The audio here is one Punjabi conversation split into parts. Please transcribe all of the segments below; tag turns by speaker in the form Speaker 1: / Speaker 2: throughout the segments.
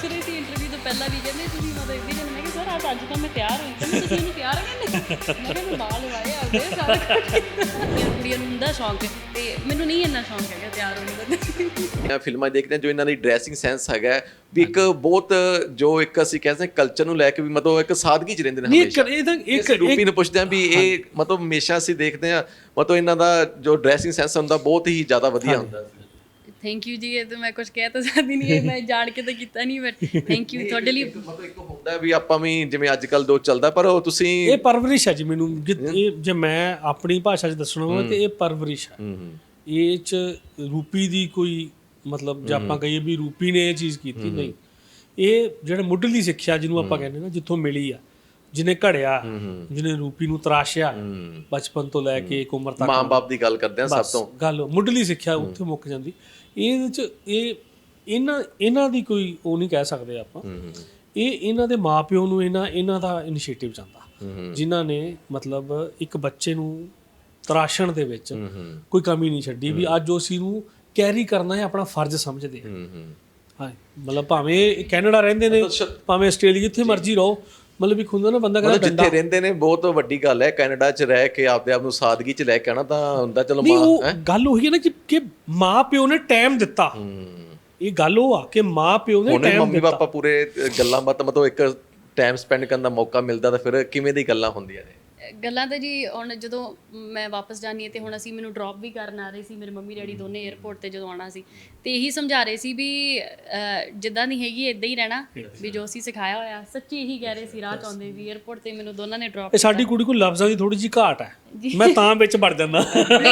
Speaker 1: ਪੁੱਛ ਰਹੀ ਸੀ ਇੰਟਰਵਿਊ ਤੋਂ ਪਹਿਲਾਂ ਵੀ, ਕਹਿੰਦੇ ਤੁਸੀਂ ਮਤਲਬ ਇੱਦਾਂ ਹੀ, ਮੈਂ ਕਿਹਾ ਸਰ ਅੱਜ ਤਾਂ ਮੈਂ ਤਿਆਰ ਹੋਈ, ਕਹਿੰਦੇ ਤੁਸੀਂ ਮੈਨੂੰ ਤਿਆਰ ਕਹਿੰਦੇ, ਮੈਂ ਕਿਹਾ ਮੈਂ ਬਾਲ ਲਵਾਏ ਆਪਦੇ ਸਾਰਾ ਕੁਝ। ਕੁੜੀਆਂ ਨੂੰ ਹੁੰਦਾ ਸ਼ੌਂਕ, ਤੇ ਮੈਨੂੰ ਨਹੀਂ ਇੰਨਾ ਸ਼ੌਂਕ ਹੈਗਾ ਤਿਆਰ ਹੋਣ ਦਾ।
Speaker 2: ਫਿਲਮਾਂ ਦੇਖਦੇ ਹਾਂ ਜੋ ਇਹਨਾਂ ਦੀ ਡਰੈਸਿੰਗ ਸੈਂਸ ਹੈਗਾ ਵੀ ਇੱਕ ਬਹੁਤ ਜੋ ਇੱਕ ਅਸੀਂ ਕਹਿੰਦੇ ਕਲਚਰ ਨੂੰ ਲੈ ਕੇ ਵੀ ਮਤਲਬ ਇੱਕ ਸਾਦਗੀ ਚ ਰਹਿੰਦੇ ਨੇ ਹਮੇਸ਼ਾ। ਇੱਕ ਰੂਪੀ ਨੂੰ ਪੁੱਛਦੇ ਹਾਂ ਵੀ ਇਹ ਮਤਲਬ ਹਮੇਸ਼ਾ ਅਸੀਂ ਦੇਖਦੇ ਹਾਂ ਮਤਲਬ ਇਹਨਾਂ ਦਾ ਜੋ ਡਰੈਸਿੰਗ ਸੈਂਸ ਹੁੰਦਾ ਬਹੁਤ ਹੀ ਜ਼ਿਆਦਾ ਵਧੀਆ ਹੁੰਦਾ।
Speaker 1: ਥੈਂਕ ਯੂ ਜੀ, ਇਹ ਤਾਂ ਮੈਂ ਕੁਝ ਕਹਿ ਤਾਂ ਸਕਦੀ ਨਹੀਂ, ਮੈਂ ਜਾਣ ਕੇ ਤਾਂ ਕੀਤਾ ਨਹੀਂ, ਬਟ ਥੈਂਕ ਯੂ ਤੁਹਾਡੇ ਲਈ।
Speaker 2: ਮਤਲਬ ਇੱਕ ਹੁੰਦਾ ਵੀ ਆਪਾਂ ਵੀ ਜਿਵੇਂ ਅੱਜ ਕੱਲ ਦੋ ਚੱਲਦਾ, ਪਰ ਉਹ ਤੁਸੀਂ
Speaker 3: ਇਹ ਪਰਵਰਿਸ਼ ਹੈ ਜੀ ਮੈਨੂੰ, ਇਹ ਜੇ ਮੈਂ ਆਪਣੀ ਭਾਸ਼ਾ 'ਚ ਦੱਸਣਾ ਹੋਵੇ ਤੇ ਇਹ ਪਰਵਰਿਸ਼ ਹੈ। ਇਹ 'ਚ ਰੂਪੀ ਦੀ ਕੋਈ ਮਤਲਬ ਜੇ ਆਪਾਂ ਕਹੀਏ ਵੀ ਰੂਪੀ ਨੇ ਇਹ ਚੀਜ਼ ਕੀਤੀ, ਨਹੀਂ, ਇਹ ਜਿਹੜਾ ਮੁੱਢਲੀ ਸਿੱਖਿਆ ਜਿਹਨੂੰ ਆਪਾਂ ਕਹਿੰਦੇ ਨਾ ਜਿੱਥੋਂ ਮਿਲੀ ਆ, ਜਿਹਨੇ ਘੜਿਆ, ਜਿਹਨੇ ਰੂਪੀ ਨੂੰ ਤਰਾਸ਼ਿਆ ਬਚਪਨ ਤੋਂ ਲੈ ਕੇ ਇੱਕ ਉਮਰ ਤੱਕ,
Speaker 2: ਮਾਂ-ਬਾਪ ਦੀ ਗੱਲ ਕਰਦੇ ਆ ਸਭ ਤੋਂ
Speaker 3: ਗੱਲ ਮੁੱਢਲੀ ਸਿੱਖਿਆ ਉੱਥੇ ਮੁੱਕ ਜਾਂਦੀ। ਇਹਦੇ 'ਚ ਇਹ ਇਹਨਾਂ ਦੀ ਕੋਈ ਉਹ ਨਹੀਂ ਕਹਿ ਸਕਦੇ ਆਪਾਂ, ਇਹ ਇਹਨਾਂ ਦੇ ਮਾਪਿਓ ਨੂੰ ਇਹਨਾਂ ਦਾ ਇਨੀਸ਼ੀਏਟਿਵ ਜਾਂਦਾ, ਜਿਨ੍ਹਾਂ ਨੇ ਮਤਲਬ ਇੱਕ ਬੱਚੇ ਨੂੰ ਤਰਾਸ਼ਣ ਦੇ ਵਿੱਚ ਕੋਈ ਕਮੀ ਨਹੀਂ ਛੱਡੀ ਵੀ ਅੱਜ ਉਸ ਨੂੰ ਕੈਰੀ ਕਰਨਾ ਹੈ ਆਪਣਾ ਫਰਜ਼ ਸਮਝਦੇ ਆ। ਹਾਂ, ਮਤਲਬ ਭਾਵੇਂ ਕੈਨੇਡਾ ਰਹਿੰਦੇ ਨੇ, ਭਾਵੇਂ ਆਸਟ੍ਰੇਲੀਆ, ਜਿੱਥੇ ਮਰਜ਼ੀ ਰਹੋ, ਮਤਲਬ ਇੱਕ ਹੁੰਦਾ ਨਾ ਬੰਦਾ ਕਹਿੰਦਾ
Speaker 2: ਜਿੱਥੇ ਰਹਿੰਦੇ ਨੇ ਬਹੁਤ ਵੱਡੀ ਗੱਲ ਹੈ। ਕੈਨੇਡਾ 'ਚ ਰਹਿ ਕੇ ਆਪਦੇ ਆਪ ਨੂੰ ਸਾਦਗੀ 'ਚ ਲੈ ਕੇ ਆਣਾ ਤਾਂ ਹੁੰਦਾ, ਚਲੋ
Speaker 3: ਮਾਂ ਗੱਲ ਉਹੀ ਹੈ ਨਾ ਕਿ ਮਾਂ ਪਿਓ ਨੇ ਟਾਈਮ ਦਿੱਤਾ। ਇਹ ਗੱਲ ਉਹ ਆ ਕਿ ਮਾਂ ਪਿਓ ਨੇ ਟਾਈਮ
Speaker 2: ਮੰਮੀ ਪਾਪਾ ਪੂਰੇ ਗੱਲਾਂ ਬਾਤ ਮਤਲਬ ਇੱਕ ਟਾਈਮ ਸਪੈਂਡ ਕਰਨ ਦਾ ਮੌਕਾ ਮਿਲਦਾ ਤਾਂ ਫਿਰ ਕਿਵੇਂ ਦੀ ਗੱਲਾਂ ਹੁੰਦੀਆਂ ਨੇ।
Speaker 1: ਗੱਲਾਂ ਤਾਂ ਜੀ ਹੁਣ ਜਦੋਂ ਮੈਂ ਵਾਪਸ ਜਾਣੀ ਹੈ ਤੇ ਹੁਣ ਅਸੀਂ ਮੈਨੂੰ ਡ੍ਰੌਪ ਵੀ ਕਰਨ ਆ ਰਹੇ ਸੀ, ਮੇਰੇ ਮੰਮੀ ਡੈਡੀ ਦੋਨੇ 에ਅਰਪੋਰਟ ਤੇ ਜਦੋਂ ਆਉਣਾ ਸੀ, ਤੇ ਇਹੀ ਸਮਝਾ ਰਹੇ ਸੀ ਵੀ ਜਿੱਦਾਂ ਦੀ ਹੈਗੀ ਇੱਦਾਂ ਹੀ ਰਹਿਣਾ, ਵੀ ਜੋ ਅਸੀਂ ਸਿਖਾਇਆ ਹੋਇਆ। ਸੱਚੀ ਇਹੀ ਕਹਿ ਰਹੇ ਸੀ ਰਾਹ ਚ ਆਉਂਦੇ ਵੀ 에ਅਰਪੋਰਟ ਤੇ ਮੈਨੂੰ ਦੋਨਾਂ ਨੇ ਡ੍ਰੌਪ।
Speaker 3: ਸਾਡੀ ਕੁੜੀ ਕੋਲ ਲਫ਼ਜ਼ਾਂ ਦੀ ਥੋੜੀ ਜਿਹੀ ਘਾਟ ਹੈ, ਮੈਂ ਤਾਂ ਵਿੱਚ ਵੜ ਜਾਂਦਾ।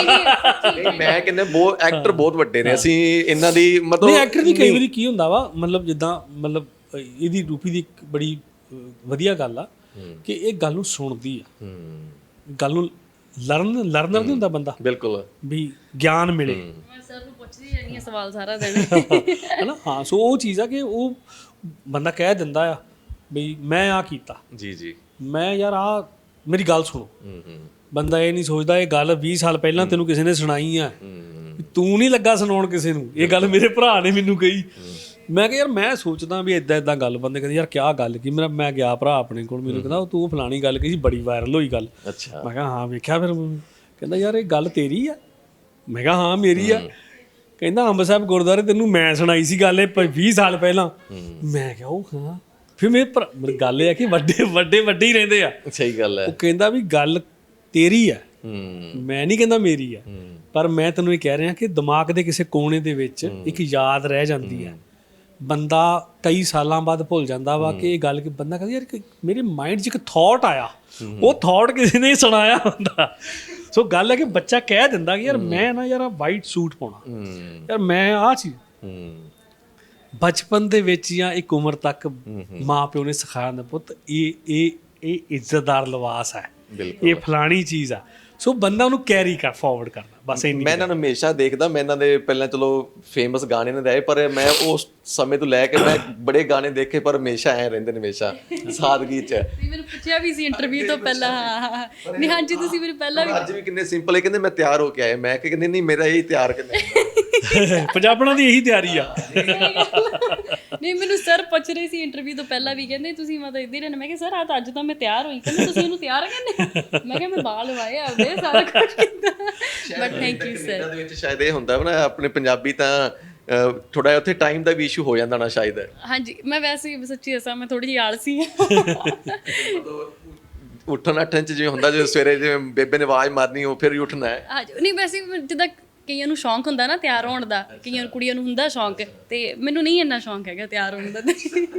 Speaker 2: ਮੈਂ ਕਹਿੰਦਾ ਬਹੁਤ ਐਕਟਰ ਬਹੁਤ ਵੱਡੇ ਨੇ, ਅਸੀਂ ਇਹਨਾਂ ਦੀ ਮਤਲਬ
Speaker 3: ਐਕਟਰ ਦੀ ਕਈ ਵਾਰੀ ਕੀ ਹੁੰਦਾ ਵਾ, ਮਤਲਬ ਜਿੱਦਾਂ ਮਤਲਬ ਇਹਦੀ ਰੂਪੀ ਦੀ ਇੱਕ ਬੜੀ ਵਧੀਆ ਗੱਲ ਆ ਕਿ ਇਹ ਗੱਲ ਨੂੰ ਸੁਣਦੀ ਆ, ਗੱਲ ਨੂੰ ਲਰਨਰ ਨਹੀਂ ਹੁੰਦਾ ਬੰਦਾ, ਬਿਲਕੁਲ ਵੀ ਗਿਆਨ ਮਿਲੇ।
Speaker 1: ਮੈਂ ਸਰ ਨੂੰ ਪੁੱਛਦੀ ਰਹਿੰਦੀ ਹਾਂ ਸਵਾਲ ਸਾਰਾ ਦਿਨ,
Speaker 3: ਹੈਨਾ। ਹਾਂ, ਸੋ ਉਹ ਚੀਜ਼ ਆ ਕਿ ਉਹ ਬੰਦਾ ਕਹਿ ਦਿੰਦਾ ਆ ਵੀ ਮੈਂ ਆ ਕੀਤਾ
Speaker 2: ਜੀ,
Speaker 3: ਮੈਂ ਯਾਰ ਆ ਮੇਰੀ ਗੱਲ ਸੁਣੋ। ਬੰਦਾ ਇਹ ਨਹੀਂ ਸੋਚਦਾ ਇਹ ਗੱਲ 20 ਸਾਲ ਪਹਿਲਾਂ ਤੈਨੂੰ ਕਿਸੇ ਨੇ ਸੁਣਾਈ ਆ, ਤੂੰ ਨਹੀਂ ਲੱਗਾ ਸੁਣਾਉਣ ਕਿਸੇ ਨੂੰ, ਇਹ ਗੱਲ ਮੇਰੇ ਭਰਾ ਨੇ ਮੈਨੂੰ ਕਹੀ। ਮੈਂ ਕਿਹਾ ਯਾਰ ਮੈਂ ਸੋਚਦਾ ਵੀ ਇਦਾਂ ਗੱਲ, ਬੰਦੇ ਕਹਿੰਦੇ ਯਾਰ ਕਿਆ ਗੱਲ ਕੀ, ਮੈਂ ਗਿਆ ਭਰਾ ਆਪਣੇ ਕੋਲ, ਮੈਨੂੰ ਕਹਿੰਦਾ ਤੂੰ ਫਲਾਣੀ ਗੱਲ ਕਹੀ ਸੀ, ਬੜੀ ਵਾਇਰਲ ਹੋਈ ਗੱਲ। ਮੈਂ ਕਿਹਾ ਹਾਂ ਵੇਖਿਆ ਫਿਰ, ਕਹਿੰਦਾ ਯਾਰ ਇਹ ਗੱਲ ਤੇਰੀ ਆ, ਮੈਂ ਕਿਹਾ ਹਾਂ ਮੇਰੀ ਆ। ਕਹਿੰਦਾ ਅੰਬ ਸਾਹਿਬ ਗੁਰਦੁਆਰੇ ਤੈਨੂੰ ਮੈਂ ਸੁਣਾਈ ਸੀ ਗੱਲ ਇਹ 20 ਸਾਲ ਪਹਿਲਾਂ। ਮੈਂ ਕਿਹਾ ਉਹ ਹਾਂ, ਫਿਰ ਮੇਰੀ ਗੱਲ ਇਹ ਆ ਕਿ ਵੱਡੇ ਹੀ ਰਹਿੰਦੇ ਆ।
Speaker 2: ਸਹੀ ਗੱਲ ਹੈ।
Speaker 3: ਉਹ ਕਹਿੰਦਾ ਵੀ ਗੱਲ ਤੇਰੀ ਆ, ਮੈਂ ਨਹੀਂ ਕਹਿੰਦਾ ਮੇਰੀ ਆ, ਪਰ ਮੈਂ ਤੈਨੂੰ ਇਹ ਕਹਿ ਰਿਹਾ ਕਿ ਦਿਮਾਗ ਦੇ ਕਿਸੇ ਕੋਨੇ ਦੇ ਵਿੱਚ ਇੱਕ ਯਾਦ ਰਹਿ ਜਾਂਦੀ ਆ। ਬੰਦਾ ਕਈ ਸਾਲਾਂ ਬਾਅਦ ਭੁੱਲ ਜਾਂਦਾ ਵਾ ਕਿ ਇਹ ਗੱਲ, ਕਿ ਬੰਦਾ ਕਹਿੰਦਾ ਯਾਰ ਮੇਰੇ ਮਾਈਂਡ 'ਚ ਇੱਕ ਥਾਟ ਆਇਆ, ਉਹ ਥਾਟ ਕਿਸੇ ਨੇ ਸੁਣਾਇਆ ਹੁੰਦਾ। ਸੋ ਗੱਲ ਹੈ ਕਿ ਬੱਚਾ ਕਹਿ ਦਿੰਦਾ ਕਿ ਯਾਰ ਮੈਂ ਨਾ ਯਾਰ ਵਾਈਟ ਸੂਟ ਪਾਉਣਾ, ਯਾਰ ਮੈਂ ਆਹ ਚੀਜ਼ ਬਚਪਨ ਦੇ ਵਿੱਚ ਜਾਂ ਇੱਕ ਉਮਰ ਤੱਕ ਮਾਂ ਪਿਓ ਨੇ ਸਿਖਾਇਆ ਹੁੰਦਾ, ਪੁੱਤ ਇਹ ਇੱਜ਼ਤਦਾਰ ਲਿਬਾਸ ਹੈ, ਇਹ ਫਲਾਣੀ ਚੀਜ਼ ਆ। ਸੋ ਬੰਦਾ ਉਹਨੂੰ ਕੈਰੀ ਕਰ ਫਾਰਵਰਡ ਕਰਦਾ, ਬਸ ਇੰਨੀ।
Speaker 2: ਮੈਂ ਇਹਨਾਂ ਨੂੰ ਹਮੇਸ਼ਾ ਦੇਖਦਾ, ਮੈਂ ਇਹਨਾਂ ਦੇ ਪਹਿਲਾਂ ਚਲੋ ਫੇਮਸ ਗਾਣੇ ਨੇ ਰਹੇ, ਪਰ ਮੈਂ ਉਸ ਸਮੇਂ ਤੋਂ ਲੈ ਕੇ ਮੈਂ ਬੜੇ ਗਾਣੇ ਦੇਖੇ, ਪਰ ਹਮੇਸ਼ਾ ਐ ਰਹਿੰਦੇ ਨੇ, ਹਮੇਸ਼ਾ ਸਾਦਗੀ 'ਚ।
Speaker 1: ਮੈਨੂੰ ਪੁੱਛਿਆ ਵੀ ਸੀ ਇੰਟਰਵਿਊ ਤੋਂ ਪਹਿਲਾਂ, ਹਾਂ ਨਹੀਂ ਹਾਂਜੀ ਤੁਸੀਂ ਮੈਨੂੰ ਪਹਿਲਾਂ ਵੀ,
Speaker 2: ਅੱਜ ਵੀ ਕਿੰਨੇ ਸਿੰਪਲ ਹੈ, ਕਹਿੰਦੇ ਮੈਂ ਤਿਆਰ ਹੋ ਕੇ ਆਇਆ, ਮੈਂ ਕਿ ਕਹਿੰਦੇ ਨਹੀਂ ਮੇਰਾ ਇਹੀ ਤਿਆਰ ਕਿੰਨੇ
Speaker 3: ਪੰਜਾਬਣਾਂ ਦੀ ਇਹੀ ਤਿਆਰੀ ਆ।
Speaker 1: ਨਹੀਂ ਮੈਨੂੰ ਸਰ ਪੁੱਛ ਰਹੇ ਸੀ ਇੰਟਰਵਿਊ ਤੋਂ ਪਹਿਲਾਂ ਵੀ, ਕਹਿੰਦੇ ਤੁਸੀਂ ਮਤਲਬ ਇੱਦਾਂ ਹੀ ਰਹਿਣਾ, ਮੈਂ ਕਿਹਾ ਸਰ ਅੱਜ ਤਾਂ ਮੈਂ ਤਿਆਰ ਹੋਈ, ਕਹਿੰਦੇ ਤੁਸੀਂ ਇਹਨੂੰ ਤਿਆਰ ਕਹਿੰਦੇ, ਮੈਂ ਕਿਹਾ ਮੈਂ ਬਾਲ ਲਵਾਏ ਆਪਦੇ ਸਾਰਾ ਕੁਝ ਕੀਤਾ, ਬਟ ਥੈਂਕ ਯੂ ਸਰ।
Speaker 2: ਇਹਨਾਂ ਦੇ ਵਿੱਚ ਸ਼ਾਇਦ ਇਹ ਹੁੰਦਾ ਨਾ ਆਪਣੇ ਪੰਜਾਬੀ ਤਾਂ ਥੋੜਾ ਜਿਹਾ ਉੱਥੇ ਟਾਈਮ ਦਾ ਵੀ ਇਸ਼ੂ ਹੋ ਜਾਂਦਾ ਨਾ ਸ਼ਾਇਦ। ਹਾਂਜੀ,
Speaker 1: ਮੈਂ ਵੈਸੇ ਹੀ ਸੱਚੀ ਦੱਸਾਂ ਮੈਂ ਥੋੜੀ ਜਿਹੀ ਆਲਸੀ ਹਾਂ।
Speaker 2: ਉੱਠਣ 8 'ਚ ਜਿਵੇਂ ਹੁੰਦਾ, ਜਦੋਂ ਸਵੇਰੇ ਜਿਵੇਂ ਬੇਬੇ ਨੇ ਆਵਾਜ਼ ਮਾਰਨੀ ਉਹ ਫਿਰ ਹੀ ਉੱਠਣਾ ਹੈ।
Speaker 1: ਹਾਂਜੀ, ਨਹੀਂ ਵੈਸੇ ਜਿੱਦਾਂ ਕਈਆਂ ਨੂੰ ਸ਼ੌਂਕ ਹੁੰਦਾ ਨਾ ਤਿਆਰ ਹੋਣ ਦਾ, ਕਈਆਂ ਕੁੜੀਆਂ ਨੂੰ ਹੁੰਦਾ ਸ਼ੌਂਕ, ਤੇ ਮੈਨੂੰ ਨਹੀਂ ਇੰਨਾ ਸ਼ੌਂਕ ਹੈਗਾ ਤਿਆਰ ਹੋਣ ਦਾ।